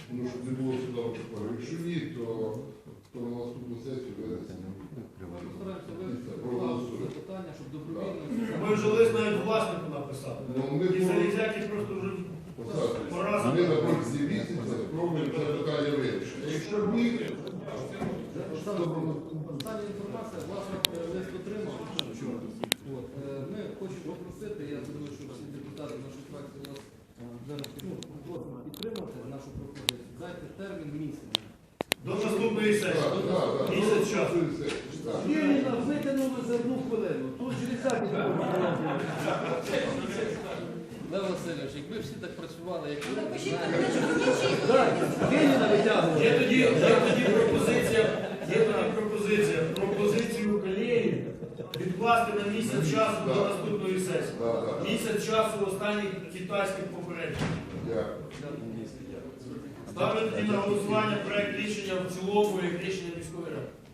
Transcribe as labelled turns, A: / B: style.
A: Ну, щоб не було сюди такого. Якщо ні, то на наступну сесію винесемо.
B: Постараємося вирішити питання, щоб добровільно...
C: Ми вже лист навіть власнику написали.
A: Ну, ми
C: І залізяки просто вже поразили.
A: ми на протязі місяця спробуємо це питання вирішити. Якщо ні,
B: Остання інформація, власне, лист отримав. Ми хочемо попросити, я думаю, що всі депутати нашої фракції вас просимо підтримати нашу пропозицію. Дайте термін місяць.
C: До наступної сесії. Місяць часу.
D: Єліна витягнули за 1 хвилину. Тут железяки не можна.
B: Лев Васильович, якби всі так працювали, як ви,
D: Єліна витягнула.
C: Є тоді пропозиція. Пропозицію колеї відкласти на місяць часу до наступної сесії. Місяць часу останніх китайських попередніх. Ставлю тоді на голосування проект рішення в цілому як рішення міської ради.